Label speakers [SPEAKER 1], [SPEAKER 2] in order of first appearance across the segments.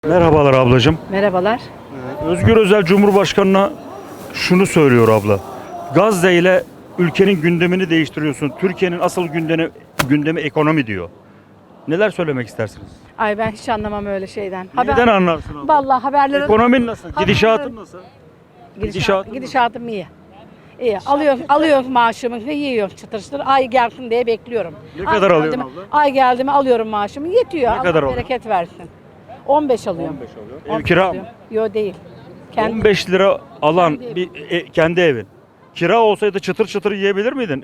[SPEAKER 1] Merhabalar ablacığım.
[SPEAKER 2] Merhabalar.
[SPEAKER 1] Özgür Özel Cumhurbaşkanı'na şunu söylüyor abla. Gazze ile ülkenin gündemini değiştiriyorsun. Türkiye'nin asıl gündemi ekonomi diyor. Neler söylemek istersiniz?
[SPEAKER 2] Ay ben hiç anlamam öyle şeyden.
[SPEAKER 1] Neden anlarsın abla?
[SPEAKER 2] Vallahi haberleri...
[SPEAKER 1] Ekonomin nasıl? Gidişatın nasıl?
[SPEAKER 2] Gidişatım iyi. İyi. Alıyorum maaşımı, yiyorum çıtır çıtır. Ay gelsin diye bekliyorum.
[SPEAKER 1] Ne kadar
[SPEAKER 2] geldi
[SPEAKER 1] alıyorsun
[SPEAKER 2] mi-
[SPEAKER 1] abla?
[SPEAKER 2] Ay geldi mi alıyorum maaşımı. Yetiyor.
[SPEAKER 1] Ne
[SPEAKER 2] Allah
[SPEAKER 1] kadar alıyorsun?
[SPEAKER 2] bereket versin. 15 alıyorum.
[SPEAKER 1] Ev kira mı?
[SPEAKER 2] Yok değil. Kendi
[SPEAKER 1] 15 lira alan
[SPEAKER 2] Kendi
[SPEAKER 1] kendi evin. Kira olsaydı çıtır çıtır yiyebilir miydin?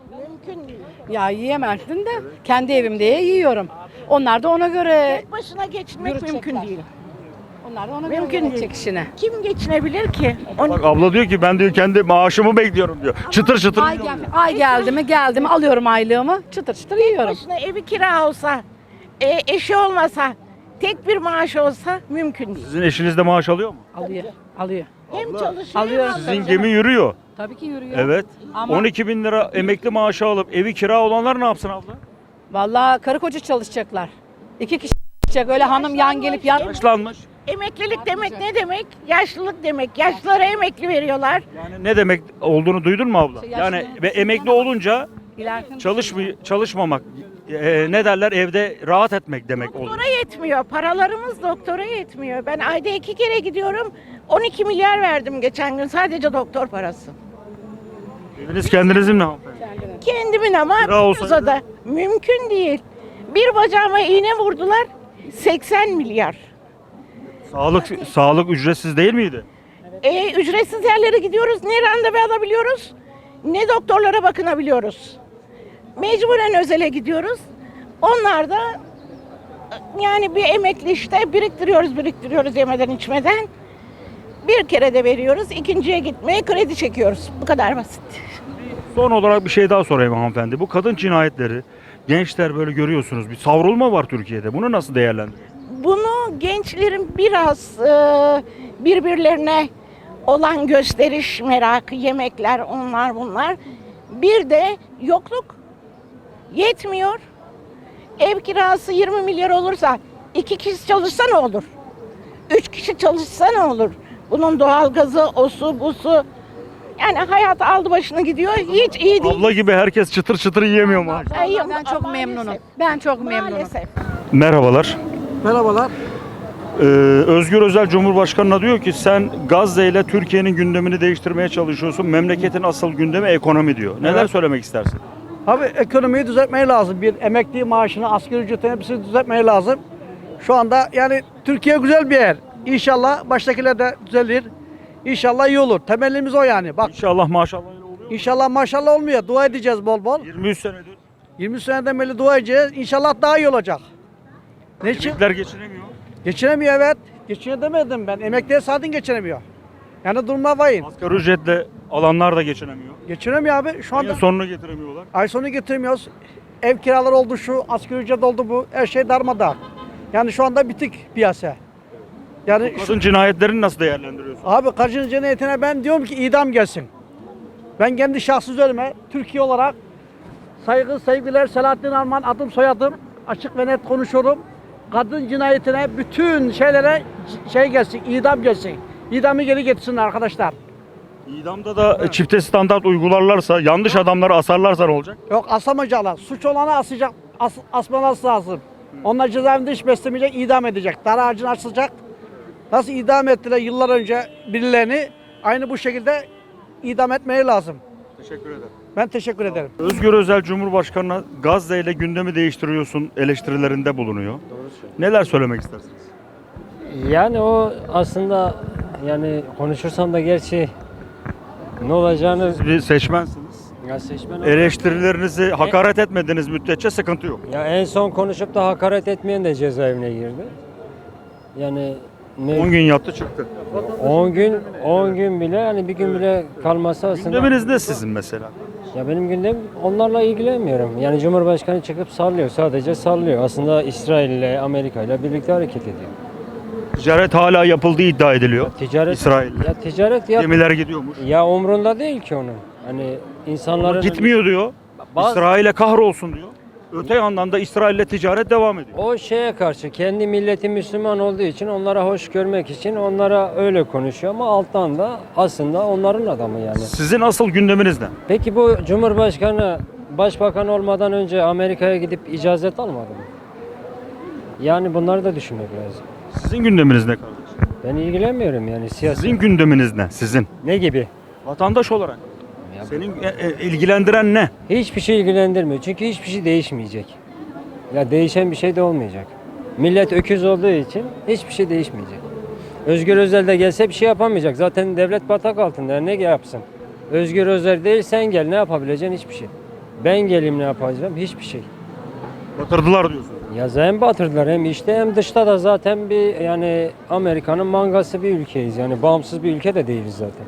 [SPEAKER 2] ya yiyemezsin de kendi evimde yiyorum. Onlar da ona göre
[SPEAKER 3] Tek başına geçinmek
[SPEAKER 2] Yürütecekler.
[SPEAKER 3] mümkün değil.
[SPEAKER 2] onlar da ona
[SPEAKER 3] Mümkün
[SPEAKER 2] göre
[SPEAKER 3] değil.
[SPEAKER 2] yönetecek işine.
[SPEAKER 3] Kim geçinebilir ki?
[SPEAKER 1] Bak abla diyor ki ben diyor kendi maaşımı bekliyorum diyor. Çıtır çıtır
[SPEAKER 2] Ay,
[SPEAKER 1] yiyorum diyor.
[SPEAKER 2] ay geldi mi alıyorum aylığımı çıtır çıtır yiyorum.
[SPEAKER 3] Başına evi kira olsa, eşi olmasa, tek bir maaş olsa mümkün değil.
[SPEAKER 1] Sizin eşiniz de maaş alıyor mu?
[SPEAKER 2] Alıyor.
[SPEAKER 3] Hem çalışıyor
[SPEAKER 2] alıyor.
[SPEAKER 3] hem
[SPEAKER 1] Sizin
[SPEAKER 3] alıyor.
[SPEAKER 1] gemi yürüyor.
[SPEAKER 2] Tabii ki yürüyor.
[SPEAKER 1] Evet.
[SPEAKER 2] Ama-
[SPEAKER 1] 12 bin lira emekli maaşı alıp evi kira olanlar ne yapsın abla?
[SPEAKER 2] Vallahi karı koca çalışacaklar. 2 kişi çalışacak. Öyle hanım yan gelip yan.
[SPEAKER 1] Yaşlanmış.
[SPEAKER 3] Emeklilik demek ne demek? Yaşlılık demek. Yaşlılara emekli veriyorlar.
[SPEAKER 1] Yani ne demek olduğunu duydun mu abla?
[SPEAKER 2] İşte
[SPEAKER 1] Yani
[SPEAKER 2] yaşlı-
[SPEAKER 1] ve emekli olunca çalışmamak ne derler evde rahat etmek demek oluyor.
[SPEAKER 3] Doktora yetmiyor. Paralarımız doktora yetmiyor. Ben ayda 2 kere gidiyorum. 12 milyar verdim geçen gün sadece doktor parası.
[SPEAKER 1] Eviniz kendinizin mi hanımefendi?
[SPEAKER 3] Kendimin ama
[SPEAKER 1] Kira olsaydı?
[SPEAKER 3] da mümkün değil. Bir bacağıma iğne vurdular 80 milyar.
[SPEAKER 1] Sağlık ücretsiz değil miydi?
[SPEAKER 3] Ücretsiz yerlere gidiyoruz. Ne randevu alabiliyoruz, ne doktorlara bakınabiliyoruz. Mecburen özele gidiyoruz. Onlar da yani bir emekli işte biriktiriyoruz yemeden içmeden. Bir kere de veriyoruz. İkinciye gitmeye kredi çekiyoruz. Bu kadar basit.
[SPEAKER 1] Son olarak bir şey daha sorayım hanımefendi. Bu kadın cinayetleri gençler böyle görüyorsunuz bir savrulma var Türkiye'de. Bunu nasıl değerlendiriyorsunuz?
[SPEAKER 3] Bunu gençlerin biraz birbirlerine olan gösteriş merakı, yemekler, onlar bunlar. Bir de yokluk yetmiyor. Ev kirası 20 milyar olursa 2 kişi çalışsa ne olur? 3 kişi çalışsa ne olur? Bunun doğalgazı, osu, busu. Yani hayat aldı başını gidiyor. Hiç iyi değil.
[SPEAKER 1] Abla gibi herkes çıtır çıtır yiyemiyor mu?
[SPEAKER 3] Ay,
[SPEAKER 2] Ben çok
[SPEAKER 3] maalesef.
[SPEAKER 2] memnunum. Ben çok memnunum.
[SPEAKER 3] Maalesef.
[SPEAKER 1] Merhabalar.
[SPEAKER 4] Merhabalar.
[SPEAKER 1] Özgür Özel Cumhurbaşkanı'na diyor ki sen Gazze ile Türkiye'nin gündemini değiştirmeye çalışıyorsun. Memleketin asıl gündemi ekonomi diyor. Neler
[SPEAKER 4] Evet.
[SPEAKER 1] söylemek istersin?
[SPEAKER 4] Abi ekonomiyi düzeltmeyi lazım. Bir emekli maaşını, asgari ücretini hepsini düzeltmeyi lazım. Şu anda yani Türkiye güzel bir yer. İnşallah baştakiler de düzelir. İnşallah iyi olur. Temennimiz o yani. Bak
[SPEAKER 1] İnşallah maşallah öyle oluyor.
[SPEAKER 4] inşallah maşallah olmuyor. Dua edeceğiz bol bol.
[SPEAKER 1] 23 senedir
[SPEAKER 4] 20 seneden beri dua edeceğiz. İnşallah daha iyi olacak. Ne için?
[SPEAKER 1] emekliler geçinemiyor.
[SPEAKER 4] Geçinemiyor evet. Geçinemedim ben. Emekliye zaten geçinemiyor. Yani durumlar vahim.
[SPEAKER 1] Asgari ücretle alanlar da geçinemiyor.
[SPEAKER 4] Geçinemiyor abi. Şu anda
[SPEAKER 1] Ayın sonunu getiremiyorlar.
[SPEAKER 4] ay sonu getiremiyoruz. Ev kiraları oldu şu, asgari ücret oldu bu. Her şey darmadağın. Yani şu anda bitik piyasa. Yani şu,
[SPEAKER 1] Kadın cinayetlerini nasıl değerlendiriyorsun?
[SPEAKER 4] abi kadın cinayetine ben diyorum ki idam gelsin. Ben kendi şahsız üzerime Türkiye olarak saygı, sevgiler, Selahattin Arman adım soyadım. Açık ve net konuşuyorum. Kadın cinayetine bütün şeylere şey gelsin, idam gelsin. İdamı geri getirsinler arkadaşlar.
[SPEAKER 1] İdamda da çifte standart uygularlarsa, yanlış adamları asarlarsa ne olacak?
[SPEAKER 4] Yok asamayacaklar. Suç olanı asacak, asmaması lazım. Onlar cezaevinde hiç beslemeyecek, idam edecek. Dar ağacını açılacak. Nasıl idam ettiler yıllar önce birilerini, aynı bu şekilde idam etmeyi lazım.
[SPEAKER 1] Teşekkür ederim.
[SPEAKER 4] Ben teşekkür ederim.
[SPEAKER 1] Özgür Özel Cumhurbaşkanı'na Gazze ile gündemi değiştiriyorsun eleştirilerinde bulunuyor. Neler söylemek istersiniz?
[SPEAKER 5] Yani o aslında yani konuşursam da gerçi ne olacağını
[SPEAKER 1] Siz bir seçmensiniz.
[SPEAKER 5] ya seçmen
[SPEAKER 1] Eleştirilerinizi hakaret etmediğiniz müddetçe sıkıntı yok.
[SPEAKER 5] ya en son konuşup da hakaret etmeyen de cezaevine girdi. Yani
[SPEAKER 1] 10 gün yattı çıktı.
[SPEAKER 5] 10 gün bile yani bir gün bile kalması aslında.
[SPEAKER 1] Gündeminiz ne sizin mesela?
[SPEAKER 5] Ya benim gündem onlarla ilgilenmiyorum. Yani Cumhurbaşkanı çıkıp sallıyor, sadece sallıyor. Aslında İsrail ile Amerika ile birlikte hareket ediyor.
[SPEAKER 1] Ticaret hala yapıldığı iddia ediliyor.
[SPEAKER 5] Ticaret
[SPEAKER 1] İsrail'le.
[SPEAKER 5] ya ticaret ya
[SPEAKER 1] Gemiler gidiyormuş.
[SPEAKER 5] ya umrunda değil ki onun. Hani insanların
[SPEAKER 1] Gitmiyor diyor.
[SPEAKER 5] Bazı-
[SPEAKER 1] İsrail'e kahrolsun diyor. Öte yandan da İsrail'le ticaret devam ediyor.
[SPEAKER 5] O şeye karşı kendi milleti Müslüman olduğu için onlara hoş görmek için onlara öyle konuşuyor ama alttan da aslında onların adamı yani.
[SPEAKER 1] Sizin asıl gündeminiz ne?
[SPEAKER 5] Peki bu Cumhurbaşkanı başbakan olmadan önce Amerika'ya gidip icazet almadı mı? Yani bunları da düşünmek lazım.
[SPEAKER 1] Sizin gündeminiz ne kardeşim?
[SPEAKER 5] Ben ilgilenmiyorum yani siyasi.
[SPEAKER 1] Sizin gündeminiz ne? Sizin.
[SPEAKER 5] Ne gibi?
[SPEAKER 1] Vatandaş olarak.
[SPEAKER 5] Ya
[SPEAKER 1] Senin ilgilendiren ne?
[SPEAKER 5] hiçbir şey ilgilendirmiyor çünkü hiçbir şey değişmeyecek. Ya değişen bir şey de olmayacak. Millet öküz olduğu için hiçbir şey değişmeyecek. Özgür Özel de gelse bir şey yapamayacak. Zaten devlet batak altında ne yapsın? Özgür Özel değil sen gel ne yapabileceksin hiçbir şey. Ben geleyim ne yapacağım hiçbir şey.
[SPEAKER 1] Batırdılar diyorsun.
[SPEAKER 5] Ya hem batırdılar hem işte hem dışta da zaten bir yani Amerika'nın mangası bir ülkeyiz. Yani bağımsız bir ülke de değiliz zaten.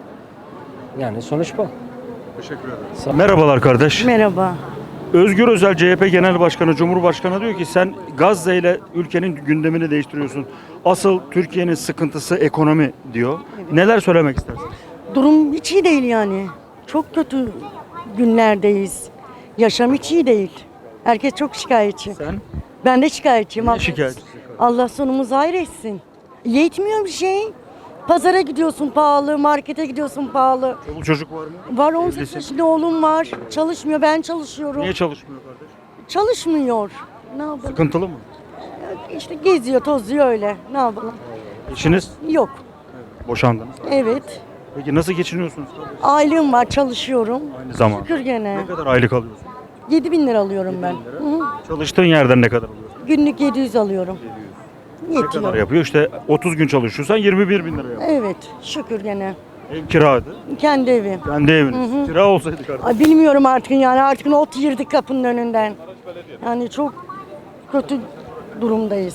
[SPEAKER 5] Yani sonuç bu.
[SPEAKER 1] Teşekkür ederim. Merhabalar kardeş.
[SPEAKER 6] Merhaba.
[SPEAKER 1] Özgür Özel CHP Genel Başkanı, Cumhurbaşkanı diyor ki sen Gazze ile ülkenin gündemini değiştiriyorsun. Asıl Türkiye'nin sıkıntısı ekonomi diyor. Neler söylemek istersin?
[SPEAKER 6] Durum hiç iyi değil yani. Çok kötü günlerdeyiz. Yaşam hiç iyi değil. Herkes çok şikayetçi.
[SPEAKER 1] Sen
[SPEAKER 6] Ben de şikayetçiyim.
[SPEAKER 1] ne
[SPEAKER 6] Allah-
[SPEAKER 1] şikayetçisin?
[SPEAKER 6] Allah sonumuzu hayır etsin. Yetmiyor bir şey. Pazara gidiyorsun pahalı, markete gidiyorsun pahalı.
[SPEAKER 1] Çoluk çocuk var mı?
[SPEAKER 6] Var 18
[SPEAKER 1] Evlisin.
[SPEAKER 6] yaşında oğlum var. Çalışmıyor, ben çalışıyorum.
[SPEAKER 1] Niye çalışmıyor kardeş?
[SPEAKER 6] Çalışmıyor. Ne yapalım?
[SPEAKER 1] Sıkıntılı mı?
[SPEAKER 6] İşte geziyor, tozuyor öyle. Ne yapalım?
[SPEAKER 1] Eşiniz
[SPEAKER 6] Yok.
[SPEAKER 1] boşandınız.
[SPEAKER 6] Evet.
[SPEAKER 1] Peki nasıl geçiniyorsunuz?
[SPEAKER 6] Ailem var, çalışıyorum.
[SPEAKER 1] Aynı zamanda.
[SPEAKER 6] Şükür gene.
[SPEAKER 1] Ne kadar aylık alıyorsun?
[SPEAKER 6] 7.000 lira alıyorum ben. Hı hı.
[SPEAKER 1] Çalıştığın yerden ne kadar alıyorsun?
[SPEAKER 6] Günlük 700 alıyorum.
[SPEAKER 1] Ne kadar
[SPEAKER 6] Yetiyor.
[SPEAKER 1] yapıyor? İşte 30 gün çalışıyorsan 21 bin lira yapıyor.
[SPEAKER 6] Evet, şükür gene.
[SPEAKER 1] Ev kiradı.
[SPEAKER 6] Kendi evim.
[SPEAKER 1] Kendi eviniz. Kira olsaydı kardeşim.
[SPEAKER 6] Ay, bilmiyorum artık yani artık ot yirdik kapının önünden. Yani çok kötü durumdayız.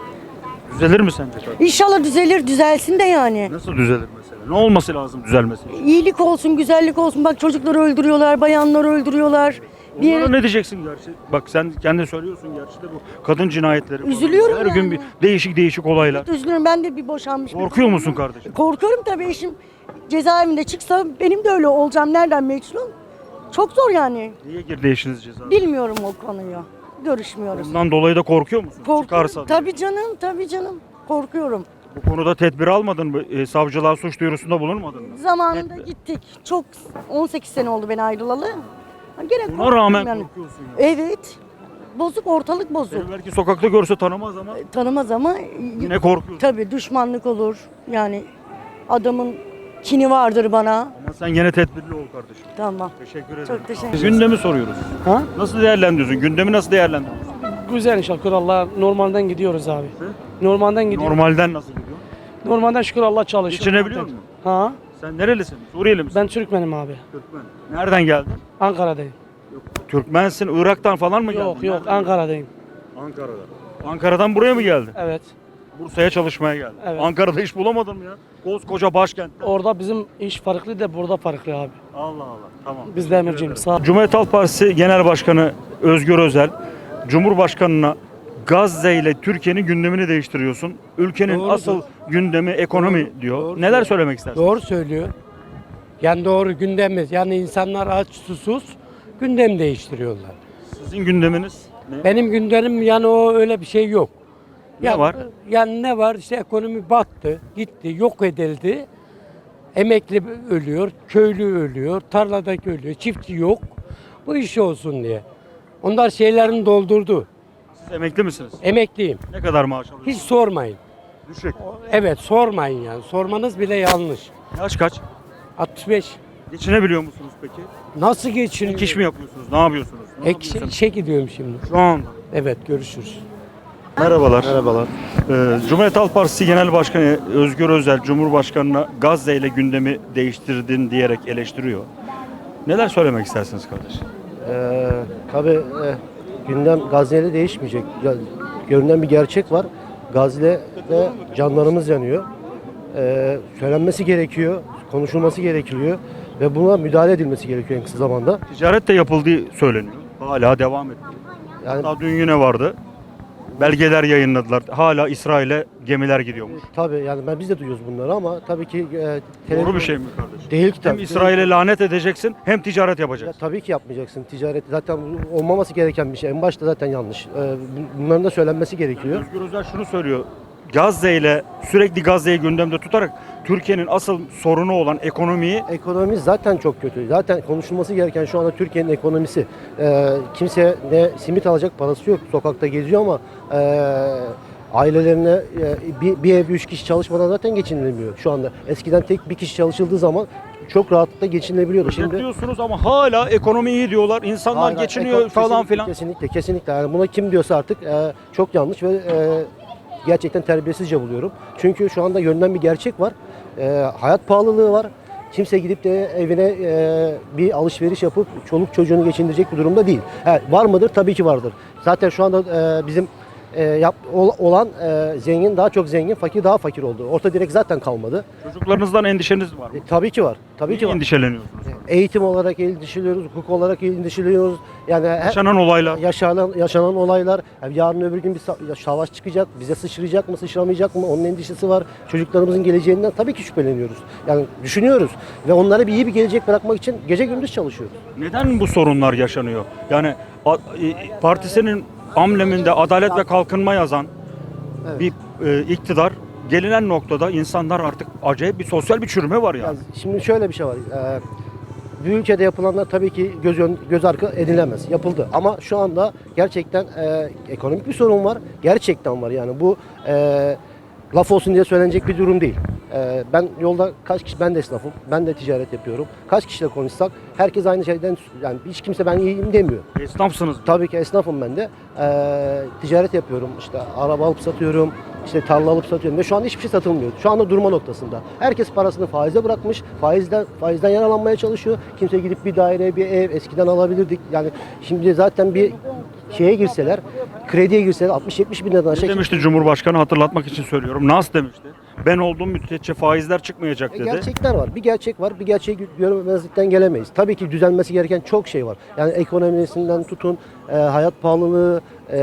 [SPEAKER 1] Düzelir mi sence kardeşim?
[SPEAKER 6] İnşallah düzelir, düzelsin de yani.
[SPEAKER 1] Nasıl düzelir mesela? Ne olması lazım düzelmesi için?
[SPEAKER 6] İyilik olsun, güzellik olsun. Bak çocukları öldürüyorlar, bayanları öldürüyorlar. Bir
[SPEAKER 1] Onlara
[SPEAKER 6] yere-
[SPEAKER 1] ne diyeceksin gerçi? Bak sen kendin söylüyorsun gerçi de bu kadın cinayetleri. falan.
[SPEAKER 6] Üzülüyorum
[SPEAKER 1] Her gün
[SPEAKER 6] yani.
[SPEAKER 1] bir değişik olaylar.
[SPEAKER 6] Üzülüyorum, ben de bir boşanmış.
[SPEAKER 1] Korkuyor musun kardeşim?
[SPEAKER 6] Korkuyorum tabii, eşim cezaevinde çıksa benim de öyle olacağım. Nereden meçhulum? Çok zor yani.
[SPEAKER 1] Niye girdi eşiniz cezaevine?
[SPEAKER 6] Bilmiyorum o konuyu. Görüşmüyoruz.
[SPEAKER 1] Bundan dolayı da korkuyor musun?
[SPEAKER 6] Korkuyorum.
[SPEAKER 1] Çıkarsa.
[SPEAKER 6] Tabii canım, tabii canım. Korkuyorum.
[SPEAKER 1] Bu konuda tedbir almadın mı? Savcılığa suç duyurusunda bulunmadın mı?
[SPEAKER 6] Zamanında gittik. Çok 18 sene oldu ben ayrılalı. Gene
[SPEAKER 1] Buna
[SPEAKER 6] korkuyorum
[SPEAKER 1] rağmen
[SPEAKER 6] yani.
[SPEAKER 1] korkuyorsun ya.
[SPEAKER 6] Evet. Bozuk, ortalık bozuk.
[SPEAKER 1] Seni belki sokakta görse tanımaz ama
[SPEAKER 6] Tanımaz ama
[SPEAKER 1] yine korkuyorsun.
[SPEAKER 6] tabii düşmanlık olur. Yani adamın kini vardır bana.
[SPEAKER 1] Ama sen yine tedbirli ol kardeşim.
[SPEAKER 6] Tamam.
[SPEAKER 1] Teşekkür ederim.
[SPEAKER 6] Çok teşekkür ederim.
[SPEAKER 1] Gündemi soruyoruz.
[SPEAKER 7] Ha?
[SPEAKER 1] Nasıl değerlendiriyorsun? Gündemi nasıl değerlendiriyorsun?
[SPEAKER 7] Güzel inşallah şükür Allah. Normalden gidiyoruz abi. Normalden gidiyoruz.
[SPEAKER 1] Normalden nasıl gidiyor?
[SPEAKER 7] Normalden şükür Allah çalışıyor.
[SPEAKER 1] Geçinebiliyor musun?
[SPEAKER 7] Ha?
[SPEAKER 1] Sen nerelisin? Suriyeli misin?
[SPEAKER 7] Ben Türkmenim abi.
[SPEAKER 1] Türkmen. Nereden geldin?
[SPEAKER 7] Ankara'dayım.
[SPEAKER 1] Türkmensin, Irak'tan falan mı geldin?
[SPEAKER 7] Yok yok
[SPEAKER 1] Nereden?
[SPEAKER 7] Ankara'dayım.
[SPEAKER 1] Ankara'dan. Ankara'dan buraya mı geldin?
[SPEAKER 7] Evet.
[SPEAKER 1] Bursa'ya çalışmaya geldin.
[SPEAKER 7] Evet.
[SPEAKER 1] Ankara'da iş bulamadın mı ya? Koskoca başkent.
[SPEAKER 7] Orada bizim iş farklı da burada farklı abi.
[SPEAKER 1] Allah Allah. Tamam.
[SPEAKER 7] Biz de emirciyim. Sağ ol.
[SPEAKER 1] Cumhuriyet Halk Partisi Genel Başkanı Özgür Özel, Cumhurbaşkanı'na Gazze ile Türkiye'nin gündemini değiştiriyorsun. Ülkenin
[SPEAKER 8] Doğrudur.
[SPEAKER 1] asıl gündemi ekonomi diyor.
[SPEAKER 8] Doğru
[SPEAKER 1] Neler
[SPEAKER 8] söylüyor.
[SPEAKER 1] söylemek istersin?
[SPEAKER 8] Doğru söylüyor. Yani doğru gündemimiz. Yani insanlar aç susuz gündem değiştiriyorlar.
[SPEAKER 1] Sizin gündeminiz ne?
[SPEAKER 8] Benim gündemim yani o öyle bir şey yok.
[SPEAKER 1] Ne var?
[SPEAKER 8] Yani ne var? İşte ekonomi battı, gitti, yok edildi. Emekli ölüyor, köylü ölüyor, tarladaki ölüyor, çiftçi yok. Bu iş olsun diye. Onlar şeylerini doldurdu.
[SPEAKER 1] Siz emekli misiniz?
[SPEAKER 8] Emekliyim.
[SPEAKER 1] Ne kadar maaş alıyorsunuz?
[SPEAKER 8] Hiç sormayın.
[SPEAKER 1] Düşük.
[SPEAKER 8] Evet sormayın yani. Sormanız bile yanlış.
[SPEAKER 1] Yaş kaç?
[SPEAKER 8] 65.
[SPEAKER 1] Geçinebiliyor musunuz peki?
[SPEAKER 8] Nasıl geçiniyor?
[SPEAKER 1] Ek iş mi yapıyorsunuz? Ne yapıyorsunuz? Ne yapıyorsunuz?
[SPEAKER 8] İşe gidiyorum şimdi.
[SPEAKER 1] Şu anda.
[SPEAKER 8] Evet görüşürüz.
[SPEAKER 1] Merhabalar. Merhabalar. Cumhuriyet Halk Partisi Genel Başkanı Özgür Özel, Cumhurbaşkanı'na Gazze ile gündemi değiştirdin diyerek eleştiriyor. Neler söylemek istersiniz kardeşim?
[SPEAKER 9] Tabii gündem Gazze'yle değişmeyecek. Görünen bir gerçek var. Gazze'de canlarımız yanıyor. Söylenmesi gerekiyor, konuşulması gerekiyor ve buna müdahale edilmesi gerekiyor en kısa zamanda.
[SPEAKER 1] Ticaret de yapıldığı söyleniyor. Hala devam ediyor.
[SPEAKER 9] Yani
[SPEAKER 1] Daha dün yine vardı. Belgeler yayınladılar. Hala İsrail'e gemiler gidiyormuş.
[SPEAKER 9] Tabii yani biz de duyuyoruz bunları ama tabii ki
[SPEAKER 1] Doğru bir şey mi kardeşim?
[SPEAKER 9] Değil ki
[SPEAKER 1] Hem
[SPEAKER 9] tabii.
[SPEAKER 1] İsrail'e lanet edeceksin hem ticaret
[SPEAKER 9] Ya,
[SPEAKER 1] yapacaksın.
[SPEAKER 9] tabii ki yapmayacaksın. Ticaret zaten olmaması gereken bir şey. En başta zaten yanlış. Bunların da söylenmesi gerekiyor.
[SPEAKER 1] Özgür Özel şunu söylüyor. Gazze ile sürekli Gazze'yi gündemde tutarak Türkiye'nin asıl sorunu olan ekonomiyi
[SPEAKER 9] Ekonomi zaten çok kötü. Zaten konuşulması gereken şu anda Türkiye'nin ekonomisi. Kimse ne simit alacak parası yok. Sokakta geziyor ama ailelerine bir ev 3 kişi çalışmadan zaten geçinilemiyor şu anda. Eskiden tek bir kişi çalışıldığı zaman çok rahatlıkla geçinilebiliyordu. Şimdi
[SPEAKER 1] diyorsunuz ama hala ekonomi iyi diyorlar. İnsanlar
[SPEAKER 9] Hayır,
[SPEAKER 1] geçiniyor falan filan.
[SPEAKER 9] Kesinlikle. Yani buna kim diyorsa artık çok yanlış ve gerçekten terbiyesizce buluyorum. Çünkü şu anda görünen bir gerçek var. Hayat pahalılığı var. Kimse gidip de evine bir alışveriş yapıp çoluk çocuğunu geçindirecek bir durumda değil. Var mıdır? Tabii ki vardır. Zaten şu anda bizim olan zengin daha çok zengin, fakir daha fakir oldu. Orta direk zaten kalmadı.
[SPEAKER 1] Çocuklarınızdan endişeniz var mı?
[SPEAKER 9] Tabii ki var. Tabii ki
[SPEAKER 1] Niye
[SPEAKER 9] var.
[SPEAKER 1] endişeleniyorsunuz?
[SPEAKER 9] Eğitim olarak endişeliyoruz, hukuk olarak endişeliyoruz. Yani
[SPEAKER 1] Yaşanan olaylar.
[SPEAKER 9] yaşanan olaylar. Yani yarın öbür gün bir savaş çıkacak. Bize sıçrayacak mı, sıçramayacak mı? Onun endişesi var. Çocuklarımızın geleceğinden tabii ki şüpheleniyoruz. Yani düşünüyoruz ve onlara iyi bir gelecek bırakmak için gece gündüz çalışıyoruz.
[SPEAKER 1] Neden bu sorunlar yaşanıyor? Yani partisinin ambleminde Adalet ve Kalkınma yazan
[SPEAKER 9] Evet.
[SPEAKER 1] bir iktidar gelinen noktada insanlar artık acayip bir sosyal bir çürüme var yani.
[SPEAKER 9] Yani şimdi şöyle bir şey var. Bir ülkede yapılanlar tabii ki göz arka edilemez. Yapıldı. Ama şu anda gerçekten ekonomik bir sorun var. Gerçekten var yani. Bu laf olsun diye söylenecek bir durum değil. Ben yolda ben de esnafım. Ben de ticaret yapıyorum. Kaç kişiyle konuşsak herkes aynı şeyden, yani hiç kimse ben iyiyim demiyor.
[SPEAKER 1] Esnafsınız.
[SPEAKER 9] Tabii ki esnafım ben de. Ticaret yapıyorum. İşte araba alıp satıyorum. İşte tarla alıp satıyorum ve şu an hiçbir şey satılmıyor. Şu anda durma noktasında. Herkes parasını faize bırakmış. Faizden yararlanmaya çalışıyor. Kimse gidip bir daire, bir ev eskiden alabilirdik. Yani şimdi zaten bir şeye girseler, krediye girseler 60-70 bin liradan
[SPEAKER 1] Ne
[SPEAKER 9] aşağı.
[SPEAKER 1] demişti Cumhurbaşkanı, hatırlatmak için söylüyorum. Nas demişti. Ben olduğum müddetçe faizler çıkmayacak dedi.
[SPEAKER 9] Gerçekler var. Bir gerçek var. Bir gerçeği görmemezlikten gelemeyiz. Tabii ki düzelmesi gereken çok şey var. Yani ekonomisinden tutun, hayat pahalılığı,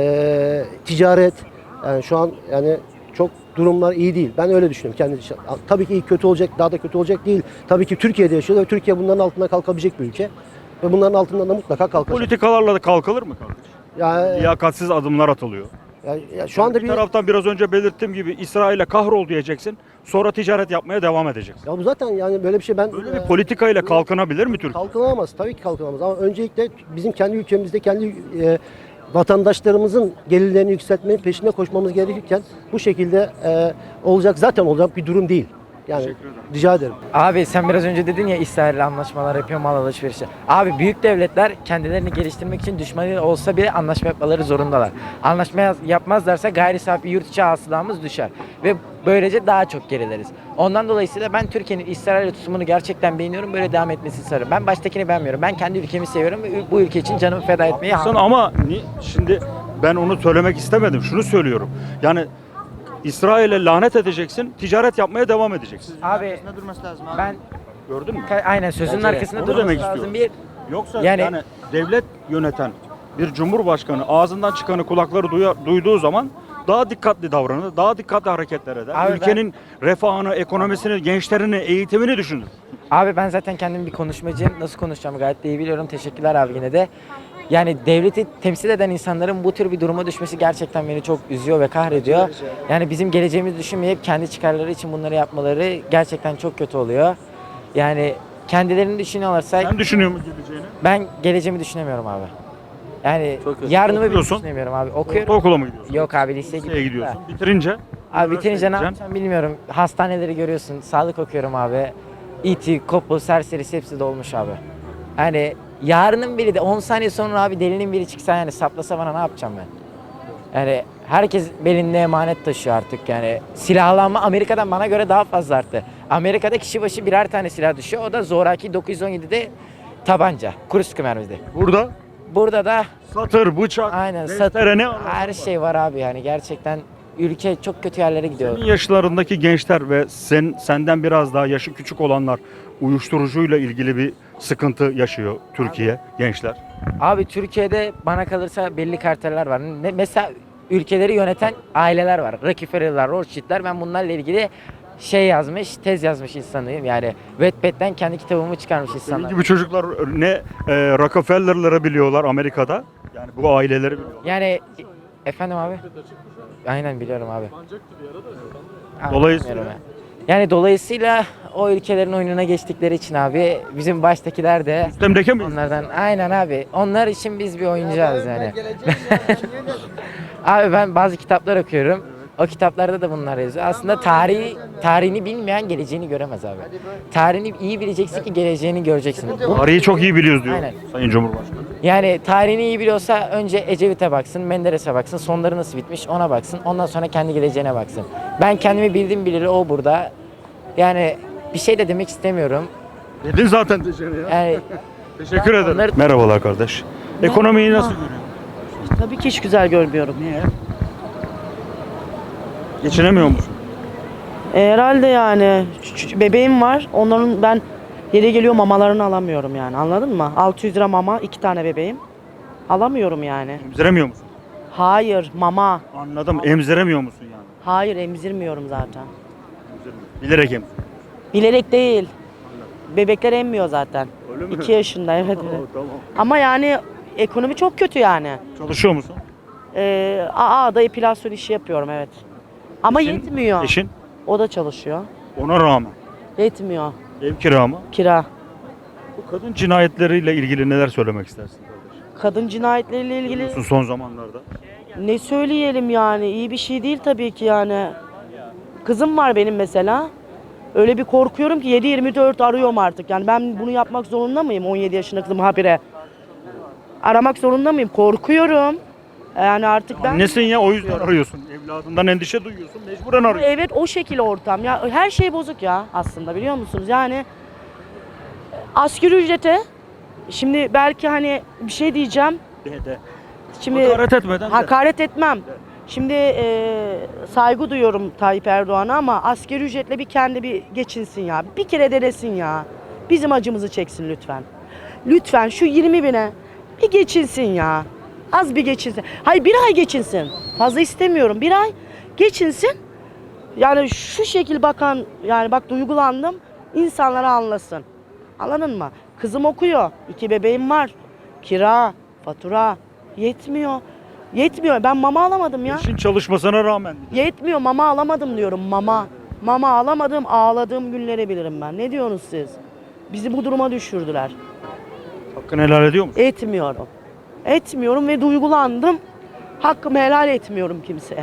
[SPEAKER 9] ticaret. Yani şu an yani çok durumlar iyi değil. Ben öyle düşünüyorum kendi. Tabii ki iyi kötü olacak, daha da kötü olacak değil. Tabii ki Türkiye'de yaşıyoruz ve Türkiye bunların altından kalkabilecek bir ülke. Ve bunların altından da mutlaka kalkacak.
[SPEAKER 1] Politikalarla da kalkılır mı kardeşim?
[SPEAKER 9] Yani,
[SPEAKER 1] Liyakatsiz adımlar atılıyor.
[SPEAKER 9] şu anda
[SPEAKER 1] Bir taraftan biraz önce belirttiğim gibi İsrail'e kahrol diyeceksin. Sonra ticaret yapmaya devam edeceksin.
[SPEAKER 9] ya bu zaten yani böyle bir şey ben
[SPEAKER 1] Böyle bir politikayla kalkınabilir mi Türkiye?
[SPEAKER 9] kalkınamaz. Tabii ki kalkınamaz ama öncelikle bizim kendi ülkemizde kendi vatandaşlarımızın gelirlerini yükseltmenin peşinde koşmamız gerekirken bu şekilde zaten olacak bir durum değil. Yani rica ederim.
[SPEAKER 10] Abi sen biraz önce dedin ya İsrail'le anlaşmalar yapıyor, mal alışverişi. Abi büyük devletler kendilerini geliştirmek için düşmanı olsa bile anlaşma yapmaları zorundalar. Anlaşma yapmazlarsa gayri safi yurt içi hasılamız düşer. Ve böylece daha çok gerileriz. Ondan dolayısıyla ben Türkiye'nin İsrail'e tutumunu gerçekten beğeniyorum. Böyle devam etmesini isterim. Ben baştakini beğenmiyorum. Ben kendi ülkemi seviyorum ve bu ülke için canımı feda etmeyi
[SPEAKER 1] Ama şimdi ben onu söylemek istemedim. Şunu söylüyorum. Yani İsrail'e lanet edeceksin, ticaret yapmaya devam edeceksin.
[SPEAKER 10] Abi ben
[SPEAKER 1] Gördün mü?
[SPEAKER 10] aynen sözünün
[SPEAKER 1] Bence de.
[SPEAKER 10] arkasında
[SPEAKER 1] Onu
[SPEAKER 10] durması
[SPEAKER 1] demek
[SPEAKER 10] lazım.
[SPEAKER 1] istiyorum. Yoksa
[SPEAKER 10] Yani-
[SPEAKER 1] yani devlet yöneten bir cumhurbaşkanı ağzından çıkanı kulakları duyduğu zaman daha dikkatli davranır, daha dikkatli hareketler eder.
[SPEAKER 10] Abi
[SPEAKER 1] Ülkenin refahını, ekonomisini, gençlerini, eğitimini düşünür.
[SPEAKER 10] Abi ben zaten kendim bir konuşmacıyım. Nasıl konuşacağımı gayet de iyi biliyorum. Teşekkürler abi yine de. Yani devleti temsil eden insanların bu tür bir duruma düşmesi gerçekten beni çok üzüyor ve kahrediyor. Yani bizim geleceğimizi düşünmeyip kendi çıkarları için bunları yapmaları gerçekten çok kötü oluyor. Yani kendilerini düşünüyorlarsa
[SPEAKER 1] Sen düşünüyor musun geleceğini?
[SPEAKER 10] ben geleceğimi düşünemiyorum abi. Yani
[SPEAKER 1] Çok kötü.
[SPEAKER 10] yarınımı bile
[SPEAKER 1] Okuyorsun.
[SPEAKER 10] düşünemiyorum abi. Okuyorum.
[SPEAKER 1] Ortaokula mı gidiyorsun?
[SPEAKER 10] Yok abi liseye
[SPEAKER 1] Liseye
[SPEAKER 10] gidiyorum.
[SPEAKER 1] gidiyorsun. Bitirince?
[SPEAKER 10] Abi bitirince ne
[SPEAKER 1] gideceksin.
[SPEAKER 10] yapacağım bilmiyorum. Hastaneleri görüyorsun. Sağlık okuyorum abi. İT, kopu, serserisi hepsi dolmuş abi. Yani yarının biri de 10 saniye sonra abi delinin biri çıksa yani saplasa bana ne yapacağım ben? Yani herkes belinde emanet taşıyor artık yani. Silahlanma Amerika'dan bana göre daha fazla arttı. Amerika'da kişi başı birer tane silah düşüyor. O da zoraki 917'de tabanca. Kuru sıkı mermide. Burada da
[SPEAKER 1] Satır, bıçak,
[SPEAKER 10] aynen
[SPEAKER 1] testere, ne
[SPEAKER 10] her şey var abi yani gerçekten ülke çok kötü yerlere gidiyor.
[SPEAKER 1] Senin yaşlarındaki gençler ve senden biraz daha yaşı küçük olanlar uyuşturucuyla ilgili bir sıkıntı yaşıyor Türkiye gençler.
[SPEAKER 10] Abi Türkiye'de bana kalırsa belli karteller var. Mesela ülkeleri yöneten aileler var. Rockefeller'lar, Rothschild'ler. Ben bunlarla ilgili tez yazmış insanıyım. Yani Wattpad'den kendi kitabımı çıkarmış
[SPEAKER 1] Senin
[SPEAKER 10] insanlar.
[SPEAKER 1] gibi çocuklar ne Rockefeller'ları biliyorlar Amerika'da. Yani bu aileleri biliyorlar.
[SPEAKER 10] Yani efendim abi? Aynen biliyorum abi. Abi,
[SPEAKER 1] Dolayısıyla-
[SPEAKER 10] bilmiyorum yani dolayısıyla o ülkelerin oyununa geçtikleri için abi bizim baştakiler de
[SPEAKER 1] Müstemleke miyiz?
[SPEAKER 10] onlardan aynen abi. Onlar için biz bir oyuncağız yani. Abi ben bazı kitaplar okuyorum. O kitaplarda da bunlar yazıyor. Aslında tarihini bilmeyen geleceğini göremez abi. Tarihini iyi bileceksin ki geleceğini göreceksin.
[SPEAKER 1] Tarihi çok iyi biliyoruz diyor
[SPEAKER 10] Aynen.
[SPEAKER 1] Sayın Cumhurbaşkanı.
[SPEAKER 10] Yani tarihini iyi biliyorsa önce Ecevit'e baksın, Menderes'e baksın, sonları nasıl bitmiş ona baksın. Ondan sonra kendi geleceğine baksın. Ben kendimi bildim bileli o burada. Yani bir şey de demek istemiyorum.
[SPEAKER 1] Dedin zaten dışarı ya.
[SPEAKER 10] Yani
[SPEAKER 1] Teşekkür ederim.
[SPEAKER 10] onları-
[SPEAKER 1] Merhabalar kardeş. Ekonomiyi nasıl görüyorsun?
[SPEAKER 6] Tabii ki hiç güzel görmüyorum.
[SPEAKER 1] Niye? Geçinemiyor musun?
[SPEAKER 6] Herhalde yani bebeğim var. Onların ben yeri geliyor mamalarını alamıyorum yani. Anladın mı? 600 lira mama, 2 tane bebeğim. Alamıyorum yani.
[SPEAKER 1] Emziremiyor musun?
[SPEAKER 6] Hayır, mama.
[SPEAKER 1] Anladım. Emziremiyor musun yani?
[SPEAKER 6] Hayır, emzirmiyorum zaten.
[SPEAKER 1] Bilerek emzir.
[SPEAKER 6] Bilerek değil. Bebekler emmiyor zaten.
[SPEAKER 1] Öyle mi?
[SPEAKER 6] 2 yaşında evet.
[SPEAKER 1] Tamam.
[SPEAKER 6] Ama yani ekonomi çok kötü yani.
[SPEAKER 1] Çalışıyor musun?
[SPEAKER 6] AA'da epilasyon işi yapıyorum evet. Ama
[SPEAKER 1] Eşin-
[SPEAKER 6] yetmiyor.
[SPEAKER 1] Eşin?
[SPEAKER 6] O da çalışıyor.
[SPEAKER 1] Ona rağmen.
[SPEAKER 6] Yetmiyor.
[SPEAKER 1] Ev kira mı?
[SPEAKER 6] Kira.
[SPEAKER 1] Bu kadın cinayetleriyle ilgili neler söylemek istersin kardeş?
[SPEAKER 6] Kadın cinayetleriyle ilgili
[SPEAKER 1] Biliyorsun son zamanlarda.
[SPEAKER 6] ne söyleyelim yani iyi bir şey değil tabii ki yani. Kızım var benim mesela. Öyle bir korkuyorum ki 7/24 arıyorum artık. Yani ben bunu yapmak zorunda mıyım 17 yaşında kızım habire? Aramak zorunda mıyım? Korkuyorum. Yani artık ben...
[SPEAKER 1] Nesin ya o yüzden arıyorsun. Evladından endişe duyuyorsun. Mecburen arıyorsun.
[SPEAKER 6] Evet o şekil ortam. Ya her şey bozuk ya aslında biliyor musunuz? Yani asgari ücrete şimdi belki hani bir şey diyeceğim.
[SPEAKER 1] De.
[SPEAKER 6] Şimdi
[SPEAKER 1] Hakaret etmeden de.
[SPEAKER 6] hakaret etmem. Şimdi saygı duyuyorum Tayyip Erdoğan'a ama asgari ücretle bir kendi bir geçinsin ya. Bir kere denesin ya. Bizim acımızı çeksin lütfen. Lütfen şu 20 bine bir geçinsin ya. Az bir geçinsin. Hayır bir ay geçinsin. Fazla istemiyorum. Bir ay geçinsin. Yani şu şekil bakan yani bak duygulandım. İnsanlara anlasın. Anladın mı? Kızım okuyor. 2 bebeğim var. Kira, fatura yetmiyor. Yetmiyor. Ben mama alamadım ya.
[SPEAKER 1] Eşin çalışmasına rağmen.
[SPEAKER 6] Yetmiyor. Mama alamadım diyorum. Mama. Mama alamadım. Ağladığım günleri bilirim ben. Ne diyorsunuz siz? Bizi bu duruma düşürdüler.
[SPEAKER 1] Hakkını helal ediyor musun?
[SPEAKER 6] Etmiyorum. Etmiyorum ve duygulandım. Hakkımı helal etmiyorum kimseye.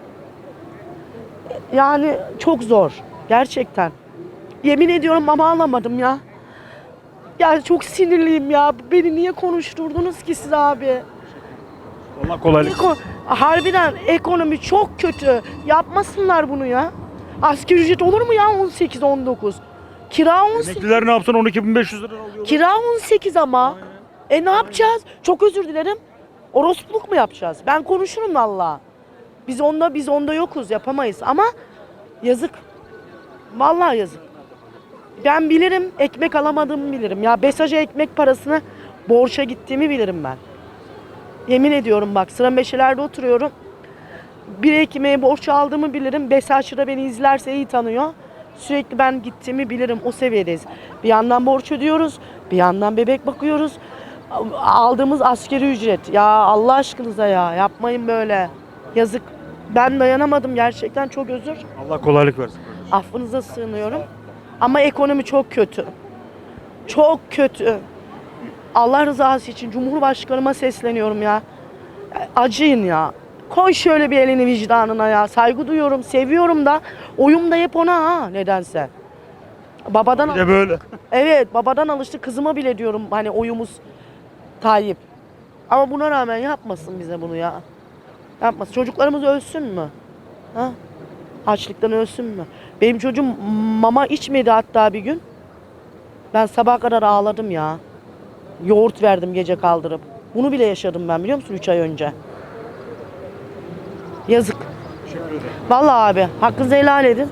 [SPEAKER 6] Yani çok zor. Gerçekten. Yemin ediyorum mama alamadım ya. Yani çok sinirliyim ya. Beni niye konuşturdunuz ki siz abi?
[SPEAKER 1] Allah kolaylık.
[SPEAKER 6] Harbiden ekonomi çok kötü. Yapmasınlar bunu ya. Asgari ücret olur mu ya 18-19? Kira 18.
[SPEAKER 1] Emekliler ne yapsın 12.500 lira alıyorlar.
[SPEAKER 6] Kira 18 ama. Ne yapacağız? Çok özür dilerim. Orospuluk mu yapacağız? Ben konuşurum valla. Biz onda yokuz, yapamayız ama yazık. Vallahi yazık. Ben bilirim, ekmek alamadığımı bilirim. Ya BESAJ'a ekmek parasını borça gittiğimi bilirim ben. Yemin ediyorum bak sıra meşelerde oturuyorum. Bir ekmeğe borç aldığımı bilirim. BESAJ'da beni izlerse iyi tanıyor. Sürekli ben gittiğimi bilirim. O seviyedeyiz. Bir yandan borç ödüyoruz. Bir yandan bebek bakıyoruz. Aldığımız asgari ücret. Ya Allah aşkınıza ya. Yapmayın böyle. Yazık. Ben dayanamadım gerçekten. Çok özür.
[SPEAKER 1] Allah kolaylık versin.
[SPEAKER 6] Affınıza sığınıyorum. Ama ekonomi çok kötü. Çok kötü. Allah rızası için Cumhurbaşkanıma sesleniyorum ya. Acıyın ya. Koy şöyle bir elini vicdanına ya. Saygı duyuyorum, seviyorum da oyum da hep ona ha nedense. Babadan
[SPEAKER 1] Bir de böyle.
[SPEAKER 6] evet, babadan alıştı. Kızıma bile diyorum hani oyumuz Tayyip. Ama buna rağmen yapmasın bize bunu ya. Yapmasın. Çocuklarımız ölsün mü? Ha? Açlıktan ölsün mü? Benim çocuğum mama içmedi hatta bir gün. Ben sabaha kadar ağladım ya. Yoğurt verdim gece kaldırıp. Bunu bile yaşadım ben biliyor musun 3 ay önce. Yazık. Vallahi abi hakkınızı helal edin.